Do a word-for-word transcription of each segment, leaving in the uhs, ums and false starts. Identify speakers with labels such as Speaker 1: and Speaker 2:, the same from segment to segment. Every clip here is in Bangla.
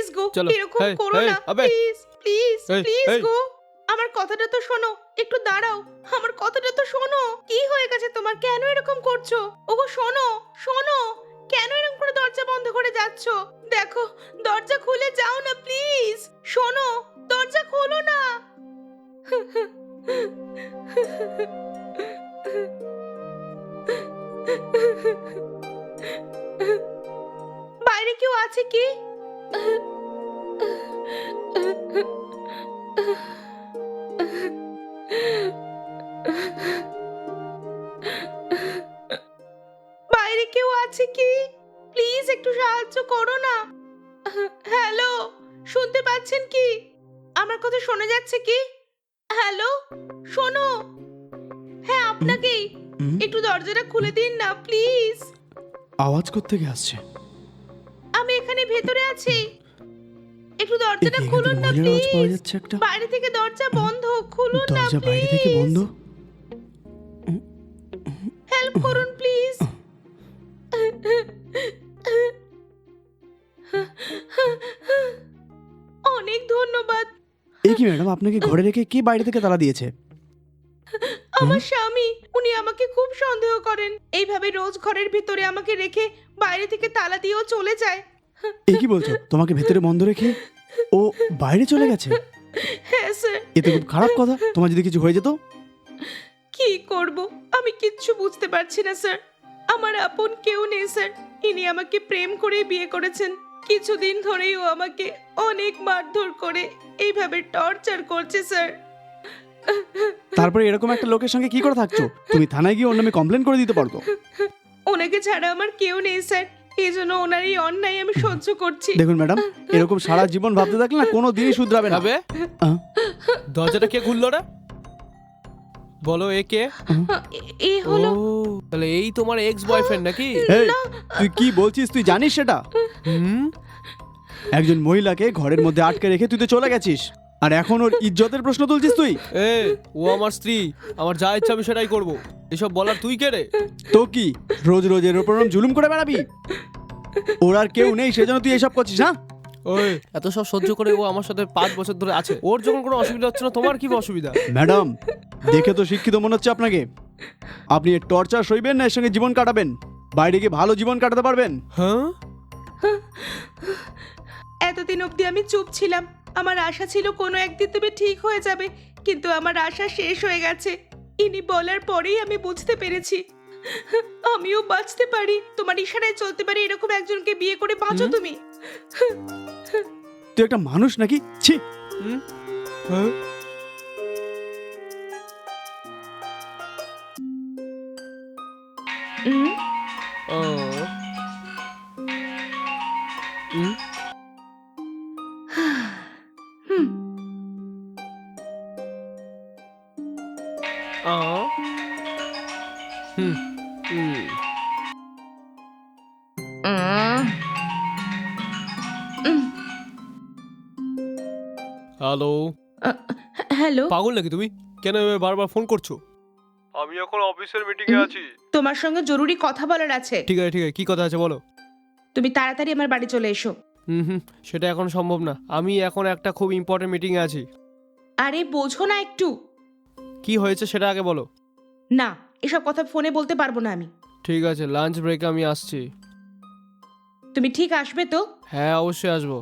Speaker 1: গো,
Speaker 2: চলো।
Speaker 1: এরকম
Speaker 2: এই,
Speaker 1: করো
Speaker 2: এই,
Speaker 1: না,
Speaker 2: আবে।
Speaker 1: প্লিজ প্লিজ
Speaker 2: এই,
Speaker 1: প্লিজ
Speaker 2: এই।
Speaker 1: গো। আমার কথাটা তো শোনো, একটু দাঁড়াও, আমার কথাটা তো শোনো। কি হয়ে গেছে তোমার? কেন এরকম করছো? ওগো শোনো, শোনো, কেন এরকম করে দরজা বন্ধ করে যাচ্ছো? দেখো, দরজা খুলে যাও না প্লিজ। শোনো, দরজা খোলো না। বাইরে কেউ আছে কি? বাইরে কেউ আছে কি? প্লিজ একটু সাহায্য করো না। হ্যালো, শুনতে পাচ্ছেন কি? আমার কথা শোনা যাচ্ছে কি? হ্যালো, শোনো। হ্যাঁ, আপনাকেই।
Speaker 3: হুম?
Speaker 1: একটু দরজাটা খুলে দিন না প্লিজ।
Speaker 3: আওয়াজ কোত্থেকে আসছে?
Speaker 1: আমি এখানে ভেতরে আছি। একটু
Speaker 3: এ
Speaker 1: দরজাটা
Speaker 3: কি, এখান
Speaker 1: খুলুন
Speaker 3: থেকে
Speaker 1: না
Speaker 3: মহিলার আওয়াজ পাওয়া
Speaker 1: প্লিজ।
Speaker 3: যাচ্ছে একটা।
Speaker 1: বাইরে থেকে দরজা বন্ধ, খুলুন না
Speaker 3: দরজা বাইরে থেকে
Speaker 1: প্লিজ।
Speaker 3: বন্ধ।
Speaker 1: হেল্প করুন প্লিজ। অনেক ধন্যবাদ।
Speaker 3: এই কি ম্যাডাম, আপনাকে ঘরে রেখে কে বাইরে থেকে তালা দিয়েছে?
Speaker 1: আমার স্বামী, উনি আমাকে খুব সন্দেহ করেন। এইভাবে রোজ ঘরের ভিতরে আমাকে রেখে বাইরে থেকে তালা দিয়েও চলে যায়।
Speaker 3: এই কি বলছো? তোমাকে ভেতরে বন্ধ রেখে ও বাইরে চলে গেছে?
Speaker 1: হ্যাঁ স্যার।
Speaker 3: এ তো খুব খারাপ কথা। তোমার যদি কিছু হয়ে যেত?
Speaker 1: কি করব, আমি কিচ্ছু বুঝতে পারছি না স্যার। আমার আপন কেউ নেই স্যার। ইনি আমাকে প্রেম করে বিয়ে করেছেন। কিছুদিন ধরেই ও আমাকে অনেক মারধর করে এইভাবে টর্চার করছে স্যার।
Speaker 3: তারপরে এরকম একটা লোকের সঙ্গে কি করে থাকছো? তুমি থানায় গিয়ে ওর নামে কমপ্লেন করে দিতে পারতো।
Speaker 1: ওনাকে ছাড়া আমার কেউ নেই স্যার। এই জন্য ওনার এই অন্যায় আমি সহ্য করছি।
Speaker 3: দেখুন ম্যাডাম, এরকম সারা জীবন ভাবতে থাকলে না কোনো দিনই শুধরাবে না।
Speaker 2: আবে,
Speaker 3: আহ,
Speaker 2: দরজাটা কে খুললো রে? বলো, এ কে?
Speaker 1: এ- এ হলো।
Speaker 2: ও, তাহলে এই তোমার এক্স বয়ফ্রেন্ড নাকি?
Speaker 3: এই, তুই কি বলছিস? তুই জানিস সেটা?
Speaker 2: হুম।
Speaker 3: একজন মহিলাকে ঘরের মধ্যে আটকে রেখে তুই তো চলে গেছিস, আর এখন ওর ইজ্জতের প্রশ্ন তুলছিস তুই?
Speaker 2: এ, ও আমার স্ত্রী, আমার যা ইচ্ছা আমি সেটাই করবো। এসব বলার তুই কে রে?
Speaker 3: তো কি রোজ রোজ এর উপর ওরম জুলুম করে বেড়াবি? ওর আর কেউ নেই সেজন্য তুই এসব করছিস? হ্যাঁ,
Speaker 2: ওই এত সব সহ্য করে ও আমার সাথে পাঁচ বছর ধরে আছে। ওর যখন কোনো অসুবিধা হচ্ছে না, তোমার কি অসুবিধা?
Speaker 3: ম্যাডাম, দেখে তো শিক্ষিত মনে হচ্ছে আপনাকে। আপনি এর টর্চার সইবেন না এর সঙ্গে জীবন কাটাবেন? বাইরে গিয়ে ভালো জীবন কাটাতে পারবেন?
Speaker 2: হ্যাঁ,
Speaker 1: এতদিন অবধি আমি চুপ ছিলাম। আমার আশা ছিল কোনো একদিন তুমি ঠিক হয়ে যাবে, কিন্তু আমার আশা শেষ হয়ে গেছে। ইনি বলার পরেই আমি বুঝতে পেরেছি আমিও বাঁচতে পারি, তোমার ইশারায় চলতে পারি। এরকম একজনকে বিয়ে করে বাঁচো
Speaker 2: হুম?
Speaker 1: তুমি।
Speaker 3: তুই একটা মানুষ নাকি? ছি!
Speaker 2: হুম? হ্যাঁ?
Speaker 1: হুম?
Speaker 2: ও। হুম?
Speaker 1: হুম।
Speaker 2: আ। হুম। হুম।
Speaker 1: উম। উম।
Speaker 2: হ্যালো,
Speaker 1: আ, হ্যালো,
Speaker 2: পাগল নাকি তুমি? কেন এভাবে বারবার ফোন করছো? আমি এখন অফিসের মিটিং এ
Speaker 1: হুম?
Speaker 2: আছি।
Speaker 1: তোমার সঙ্গে জরুরি কথা বলার আছে।
Speaker 2: ঠিক আছে, ঠিক আছে, কি কথা আছে বলো।
Speaker 1: তুমি তাড়াতাড়ি আমার বাড়ি চলে এসো।
Speaker 2: হুম হুম, সেটা এখন সম্ভব না। আমি এখন একটা খুব ইম্পর্টেন্ট মিটিং এ আছি।
Speaker 1: আরে বোঝো না একটু।
Speaker 2: কি হয়েছে সেটা আগে বলো।
Speaker 1: না, এসব কথা ফোনে বলতে পারবো না আমি।
Speaker 2: ঠিক আছে, লাঞ্চ ব্রেকে আমি আসছি।
Speaker 1: তুমি ঠিক আসবে তো?
Speaker 2: হ্যাঁ, অবশ্যই আসবো।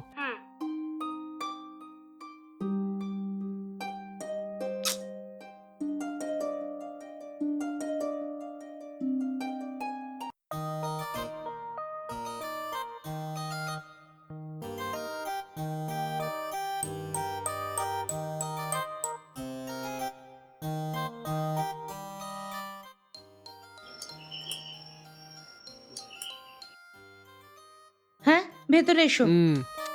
Speaker 1: হ্যাঁ, ভেতরে এসো।
Speaker 2: হুম।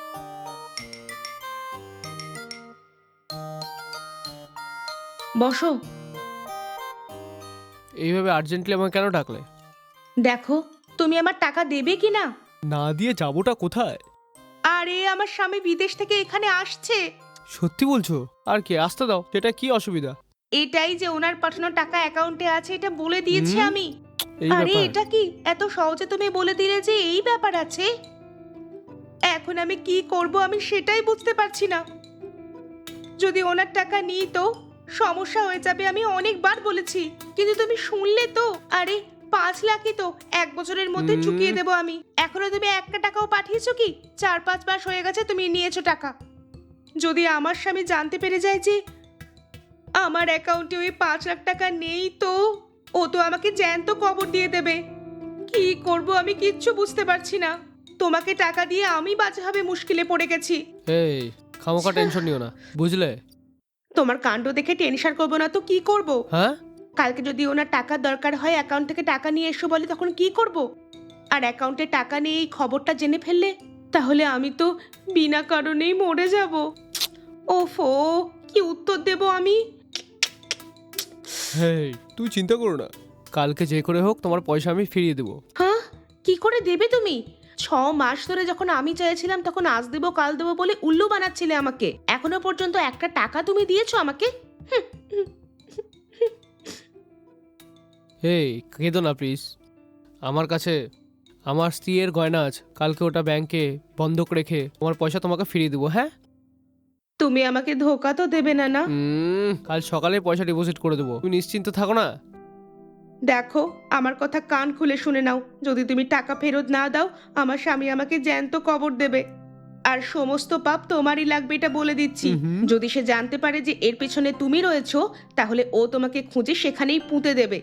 Speaker 1: বসো।
Speaker 2: এইভাবে আর্জেন্টলি আমাকে কেন ডাকলে?
Speaker 1: দেখো, তুমি আমার টাকা দেবে কি না?
Speaker 2: না দিয়ে যাবোটা কোথায়?
Speaker 1: আরে আমার স্বামী বিদেশ থেকে এখানে আসছে।
Speaker 2: সত্যি বলছো? আর কি, আসতে দাও, সেটা কি অসুবিধা?
Speaker 1: এটাই যে ওনার পাঠানো টাকা অ্যাকাউন্টে আছে, এটা বলে দিয়েছি
Speaker 2: হুম?
Speaker 1: আমি।
Speaker 2: এই
Speaker 1: আরে
Speaker 2: ব্যাপার?
Speaker 1: এটা কি এত সহজে তুমি বলে দিলে যে এই ব্যাপার আছে? এখন আমি কি করব আমি সেটাই বুঝতে পারছি না। যদি ওনার টাকা নিই তো সমস্যা হয়ে যাবে, আমি অনেকবার বলেছি, কিন্তু তুমি শুনলে তো। আরে পাঁচ লাখই তো, এক বছরের মধ্যে
Speaker 2: হুম।
Speaker 1: চুকিয়ে দেবো আমি। এখনো তুমি একটা টাকাও পাঠিয়েছো কি? চার পাঁচ মাস হয়ে গেছে তুমি নিয়েছো টাকা। যদি আমার স্বামী জানতে পেরে যায় যে আমার অ্যাকাউন্টে ওই পাঁচ লাখ টাকা নেই, তো ও তো আমাকে জ্যান্ত কবর দিয়ে দেবে। কি করব আমি কিচ্ছু বুঝতে পারছি না। তোমাকে টাকা দিয়ে আমি বাজেভাবে মুশকিলে পড়ে গেছি।
Speaker 2: এই খামোকা টেনশন নিও না, বুঝলে?
Speaker 1: তোমার কাণ্ড দেখে টেনশন করবো না তো কি করব?
Speaker 2: হ্যাঁ,
Speaker 1: কালকে যদি ওনার টাকার দরকার হয় অ্যাকাউন্ট থেকে টাকা নিয়ে এসো বলে, তখন কি করব? আর অ্যাকাউন্টে টাকা নিয়ে এই খবরটা জেনে ফেললে তাহলে আমি তো বিনা কারণেই মরে যাব। ওফো, কি উত্তর দেব আমি?
Speaker 2: হেই তুই চিন্তা করো না, কালকে যে করে হোক তোমার পয়সা আমি ফিরিয়ে দেবো।
Speaker 1: হ্যাঁ, কি করে দেবে তুমি? ছ মাস ধরে যখন আমি চাইছিলাম তখন আজ দেবো কাল দেবো বলে উল্লু বানাচ্ছিলে আমাকে। এখনো পর্যন্ত একটা টাকা তুমি দিয়েছো আমাকে? হুম, হুম।
Speaker 2: এই কেঁদো না প্লিজ। আমার কাছে আমার স্ত্রীর গয়না আছে, কালকে ওটা ব্যাংকে বন্ধক রেখে তোমার পয়সা তোমাকে ফিরিয়ে দেবো। হ্যাঁ,
Speaker 1: তুমি আমাকে ধোকা তো দেবে না, না?
Speaker 2: উম, কাল সকালে পয়সা ডিপোজিট করে দেবো, তুমি নিশ্চিন্ত থাকো না।
Speaker 1: দেখো, আমার কথা কান খুলে শুনে নাও। যদি তুমি টাকা ফেরত না দাও আমার স্বামী আমাকে জ্যান্ত কবর দেবে। আর সমস্ত পাপ তোমারই লাগবে, এটা বলে দিচ্ছি।
Speaker 2: হুম।
Speaker 1: যদি সে জানতে পারে যে এর পেছনে তুমি রয়েছো, তাহলে ও তোমাকে খুঁজে সেখানেই পুঁতে দেবে।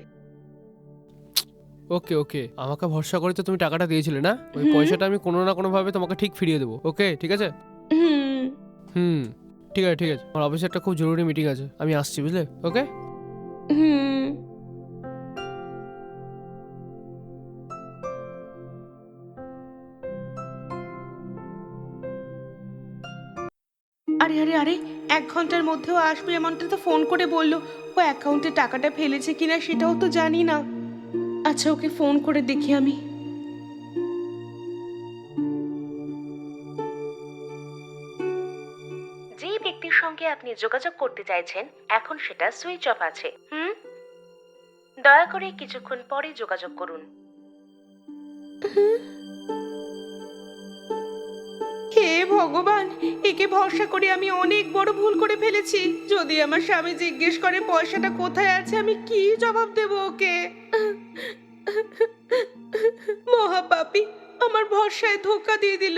Speaker 2: ওকে ওকে, আমাকে ভরসা করে তো তুমি টাকাটা দিয়েছিলে না, ওই
Speaker 1: হুম।
Speaker 2: পয়সাটা আমি কোনো না কোনো ভাবে তোমাকে ঠিক ফিরিয়ে দেবো। ওকে ঠিক আছে?
Speaker 1: হুম
Speaker 2: হুম, ঠিক আছে ঠিক আছে, আমার অফিসে একটা খুব জরুরি মিটিং আছে, আমি আসছি, বুঝলে? ওকে।
Speaker 1: হুম আরে আরে আরে, এক ঘন্টার মধ্যেও আসবে এমনটা তো ফোন করে বললো। ও অ্যাকাউন্টে টাকাটা ফেলেছে কিনা সেটাও তো জানি না। আচ্ছা, ওকে ফোন করে দেখি আমি। যে ব্যক্তির সঙ্গে আপনি যোগাযোগ করতে চাইছেন এখন সেটা সুইচ অফ আছে। হুম, দয়া করে কিছুক্ষণ পরে যোগাযোগ করুন। হে ভগবান, একে ভরসা করে আমি অনেক বড় ভুল করে ফেলেছি। যদি আমার স্বামী জিজ্ঞেস করে পয়সাটা কোথায় আছে, আমি কি জবাব দেব ওকে? মহাপাপী আমার ভরসায় ধোকা দিয়ে দিল।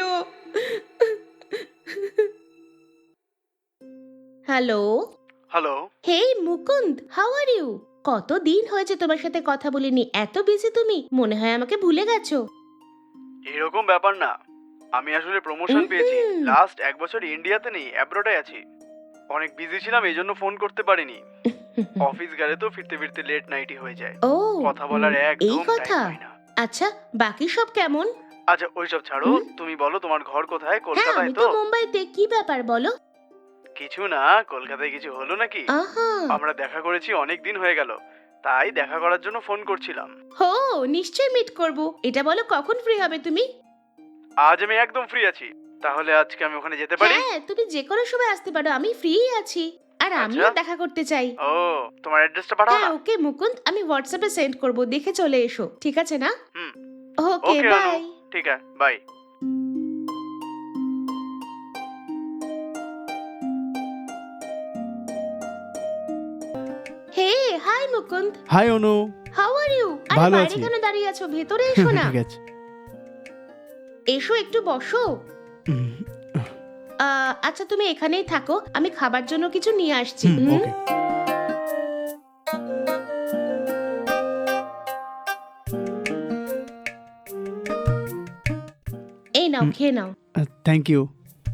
Speaker 1: Hello.
Speaker 3: Hello.
Speaker 1: Hey Mukunda, how are you? কতদিন হয়েছে তোমার সাথে কথা বলিনি, এত বিজি তুমি, মনে হয় আমাকে ভুলে গেছো।
Speaker 3: এরকম ব্যাপার না, আমি আসলে প্রমোশন পেয়েছি।
Speaker 1: হুম।
Speaker 3: লাস্ট এক বছর ইন্ডিয়াতে নেই, অ্যাব্রোডে আছি। অনেক বিজি ছিলাম, এই জন্য ফোন করতে পারিনি। অফিস গেলে তো ফিরতে ফিরতে লেট নাইটই হয়ে যায়।
Speaker 1: ও,
Speaker 3: কথা বলার
Speaker 1: এই
Speaker 3: একদম
Speaker 1: কথা।
Speaker 3: টাইম পাই না।
Speaker 1: আচ্ছা, বাকি সব কেমন?
Speaker 3: আচ্ছা ওইসব ছাড়ো,
Speaker 1: হুম?
Speaker 3: তুমি বলো তোমার ঘর কোথায়?
Speaker 1: হ্যাঁ,
Speaker 3: কলকাতায়
Speaker 1: আমি
Speaker 3: তো?
Speaker 1: তো মুম্বাইতে। কি ব্যাপার বলো?
Speaker 3: কিছু না, কলকাতায় কিছু হলো নাকি?
Speaker 1: আহা,
Speaker 3: আমরা দেখা করেছি অনেক দিন হয়ে গেল, তাই দেখা করার জন্য ফোন করছিলাম।
Speaker 1: হো, নিশ্চয়ই মিট করব। এটা বলো কখন ফ্রি হবে তুমি?
Speaker 3: আজ আমি একদম ফ্রি আছি, তাহলে আজকে আমি ওখানে যেতে পারি?
Speaker 1: হ্যাঁ, তুমি যে কোনো সময় আসতে পারো, আমি ফ্রি আছি। আর আমিও
Speaker 3: আচ্ছা।
Speaker 1: দেখা করতে চাই।
Speaker 3: ও, তোমার অ্যাড্রেসটা পাঠাও
Speaker 1: হ্যাঁ
Speaker 3: না।
Speaker 1: ওকে মুকুন্দ, আমি হোয়াটসঅ্যাপে সেন্ড করব, দেখে চলে এসো, ঠিক আছে না?
Speaker 3: হুম।
Speaker 1: Okay,
Speaker 3: okay Anu,
Speaker 1: bye.
Speaker 3: ঠিক আছে, bye.
Speaker 1: Hey, hi Mukunda,
Speaker 3: hi Anu.
Speaker 1: How are you? আরে
Speaker 3: ভালো
Speaker 1: বাইরে
Speaker 3: আছি।
Speaker 1: কেন দাঁড়িয়ে আছো? ভেতরে এসো না।
Speaker 3: ঠিক আছে।
Speaker 1: এসো, একটু বসো।
Speaker 3: হুম,
Speaker 1: আহ, আচ্ছা তুমি এখানেই থাকো, আমি খাবার জন্য কিছু নিয়ে আসছি।
Speaker 3: হুম,
Speaker 1: হুম?
Speaker 3: ওকে।
Speaker 1: এই নাও,
Speaker 3: হুম।
Speaker 1: খেয়ে নাও।
Speaker 3: Thank you.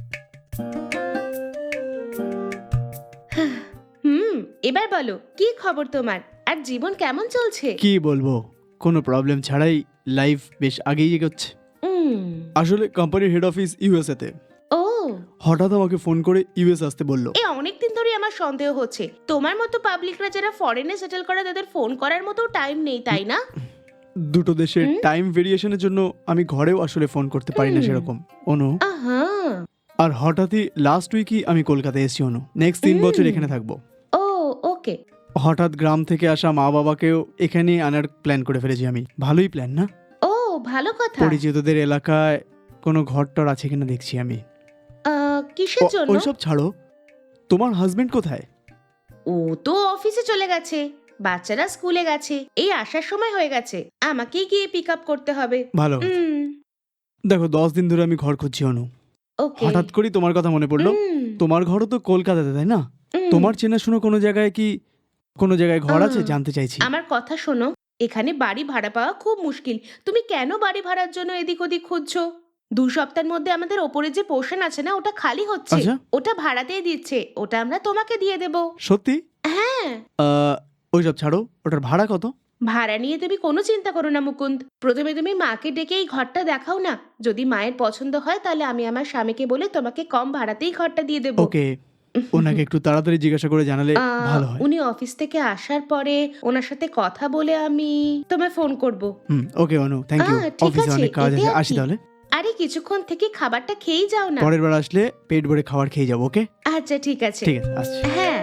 Speaker 1: হুম, এবার বলো কি খবর তোমার, আর জীবন কেমন চলছে?
Speaker 3: কি বলবো, কোনো প্রবলেম ছাড়াই লাইফ বেশ আগেই এগোচ্ছে।
Speaker 1: উম,
Speaker 3: আসলে কোম্পানির হেড অফিস ইউএসএ তে।
Speaker 1: ও,
Speaker 3: হঠাৎ আমাকে ফোন করে ইউএস আসতে বললো।
Speaker 1: এ অনেকদিন ধরে আমার সন্দেহ হচ্ছে তোমার মতো পাবলিকরা যারা ফরেনে সেটেল করে তাদের ফোন করার মতো টাইম নেই, তাই না?
Speaker 3: দুটো দেশের
Speaker 1: হুম?
Speaker 3: টাইম ভেরিয়েশনের জন্য আমি ঘরেও আসলে ফোন করতে পারি না
Speaker 1: হুম।
Speaker 3: সেরকম অনু।
Speaker 1: আহা,
Speaker 3: আর হঠাৎই লাস্ট উইকই আমি কলকাতায় এসেছি অনু, নেক্সট তিন
Speaker 1: হুম।
Speaker 3: বছর এখানে থাকবো।
Speaker 1: ও, ওকে।
Speaker 3: হঠাৎ গ্রাম থেকে আসা মা বাবাকেও এখানে আনার প্ল্যান করে ফেলেছি আমি। ভালোই প্ল্যান না?
Speaker 1: ও, ভালো কথা।
Speaker 3: পরিচিতদের এলাকায় কোনো ঘর টর আছে কিনা দেখছি আমি।
Speaker 1: আহ, কিসের
Speaker 3: ও-
Speaker 1: জন্য?
Speaker 3: ওইসব ছাড়ো, তোমার হাজবেন্ড কোথায়?
Speaker 1: ও তো অফিসে চলে গেছে, বাচ্চারা স্কুলে গেছে, এই আসার সময় হয়ে গেছে, আমাকেই গিয়ে পিক আপ করতে হবে।
Speaker 3: ভালো কথা।
Speaker 1: হুম,
Speaker 3: দেখো দশ দিন ধরে আমি ঘর খুঁজছি অনু,
Speaker 1: ওকে।
Speaker 3: হঠাৎ করেই তোমার কথা মনে পড়লো।
Speaker 1: হুম,
Speaker 3: তোমার ঘরও তো কলকাতাতে তাই না?
Speaker 1: হুম।
Speaker 3: তোমার চেনাশোনা কোনো জায়গায় কি কোনো জায়গায় ঘর আছে
Speaker 1: আহ,
Speaker 3: জানতে চাইছি।
Speaker 1: আমার কথা শোনো, এখানে বাড়ি ভাড়া পাওয়া খুব মুশকিল। তুমি কেন বাড়ি ভাড়ার জন্য এদিক ওদিক খুঁজছো? দু সপ্তাহের মধ্যে আমাদের ওপরে যে পোর্শন আছে না, ওটা খালি হচ্ছে,
Speaker 3: আচ্ছা।
Speaker 1: ওটা ভাড়াতেই দিচ্ছে, ওটা আমরা তোমাকে দিয়ে দেব।
Speaker 3: সত্যি?
Speaker 1: হ্যাঁ,
Speaker 3: আহ, ওইসব ছাড়ো, ওটার ভাড়া কত?
Speaker 1: ভাড়া নিয়ে তুমি কোনো চিন্তা করো না মুকুন্দ। প্রথমে তুমি মাকে ডেকে এই ঘরটা দেখাও না, যদি মায়ের পছন্দ হয় তাহলে আমি আমার স্বামীকে বলে তোমাকে কম ভাড়াতেই ঘরটা দিয়ে দেবো।
Speaker 3: ওকে, ওনাকে একটু তাড়াতাড়ি জিজ্ঞাসা করে জানালে
Speaker 1: আহ,
Speaker 3: ভালো হয়।
Speaker 1: উনি অফিস থেকে আসার পরে ওনার সাথে কথা বলে আমি তোমায় ফোন করব।
Speaker 3: হুম, ওকে অনু, থ্যাংক ইউ।
Speaker 1: আহ, ঠিক
Speaker 3: অফিসে
Speaker 1: আছে,
Speaker 3: অনেক কাজ
Speaker 1: এতে
Speaker 3: আছে,
Speaker 1: আর
Speaker 3: আসি
Speaker 1: কি?
Speaker 3: তাহলে।
Speaker 1: আরে কিছুক্ষণ থেকে খাবারটা খেয়েই যাও না।
Speaker 3: পরের বার আসলে পেট ভরে খাবার খেয়ে যাবো। ওকে,
Speaker 1: আচ্ছা ঠিক আছে।
Speaker 3: ঠিক আছে, আসছি।
Speaker 1: হ্যাঁ,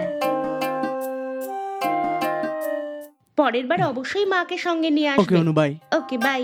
Speaker 1: পরের বার অবশ্যই মাকে সঙ্গে নিয়ে
Speaker 3: ওকে
Speaker 1: আসবে।
Speaker 3: অনু, বাই।
Speaker 1: Okay bye.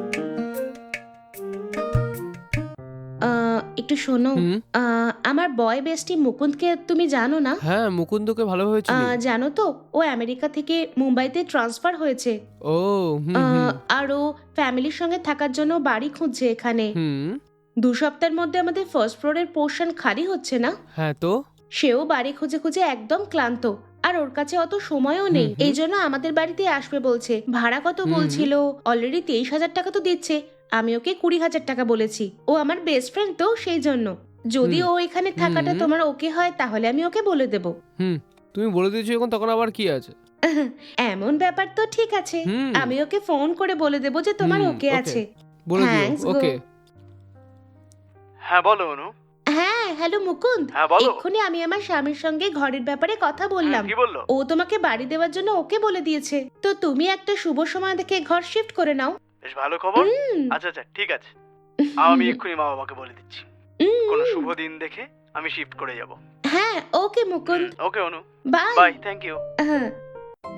Speaker 1: একটু শোনো,
Speaker 2: হুম।
Speaker 1: আহ, আমার বয় বেস্টি মুকুন্দকে তুমি জানো না?
Speaker 2: হ্যাঁ, মুকুন্দকে ভালোভাবে চিনি।
Speaker 1: আহ, জানো তো, ও আমেরিকা থেকে মুম্বাইতে ট্রান্সফার হয়েছে।
Speaker 2: ও হুম
Speaker 1: আহ,
Speaker 2: হুম
Speaker 1: আর ও ফ্যামিলির সঙ্গে থাকার জন্য বাড়ি খুঁজছে এখানে।
Speaker 2: হুম।
Speaker 1: দু সপ্তাহের মধ্যে আমাদের ফার্স্ট ফ্লোরের পোর্শন খালি হচ্ছে না,
Speaker 2: হ্যাঁ তো
Speaker 1: সেও বাড়ি খুঁজে খুঁজে একদম ক্লান্ত, আর ওর কাছে অত সময়ও নেই।
Speaker 2: হুম, হুম।
Speaker 1: এই জন্য আমাদের বাড়িতে আসবে বলছে। ভাড়া কত
Speaker 2: হুম,
Speaker 1: বলছিল? অলরেডি তেইশ হাজার টাকা তো দিচ্ছে, আমি ওকে কুড়ি হাজার টাকা বলেছি। ও আমার বেস্ট ফ্রেন্ড তো, সেই জন্য যদি
Speaker 2: হুম,
Speaker 1: ও এখানে থাকাটা
Speaker 2: হুম।
Speaker 1: তোমার ওকে হয় তাহলে আমি ওকে বলে দেব।
Speaker 2: হুম তুমি বলে দিয়েছো এখন, তখন আবার কি আছে?
Speaker 1: এমন ব্যাপার তো ঠিক আছে,
Speaker 2: হুম।
Speaker 1: আমি ওকে ফোন করে বলে দেব যে তোমার
Speaker 2: হুম,
Speaker 1: ওকে
Speaker 2: ওকে।
Speaker 1: আছে।
Speaker 2: বলে দিও।
Speaker 1: Thanks গো।
Speaker 2: ওকে।
Speaker 3: হ্যাঁ বলো অনু।
Speaker 1: হ্যাঁ, হ্যালো মুকুন্দ।
Speaker 3: হ্যাঁ, বলো।
Speaker 1: এক্ষুনি আমি আমার স্বামীর সঙ্গে ঘরের ব্যাপারে কথা বললাম।
Speaker 3: কি বললো?
Speaker 1: ও তোমাকে বাড়ি দেওয়ার জন্য ওকে বলে দিয়েছে, তো তুমি একটা শুভ সময় দেখে ঘর শিফট করে নাও।
Speaker 3: বেশ ভালো খবর।
Speaker 1: হুম।
Speaker 3: আচ্ছা আচ্ছা, ঠিক আছে, আমি এক্ষুনি মা বাবাকে বলে দিচ্ছি।
Speaker 1: হুম।
Speaker 3: কোনো শুভ দিন দেখে আমি শিফট করে যাব।
Speaker 1: হ্যাঁ, okay Mukunda,
Speaker 3: okay Anu,
Speaker 1: bye.
Speaker 3: Bye, thank you.
Speaker 1: হ্যাঁ।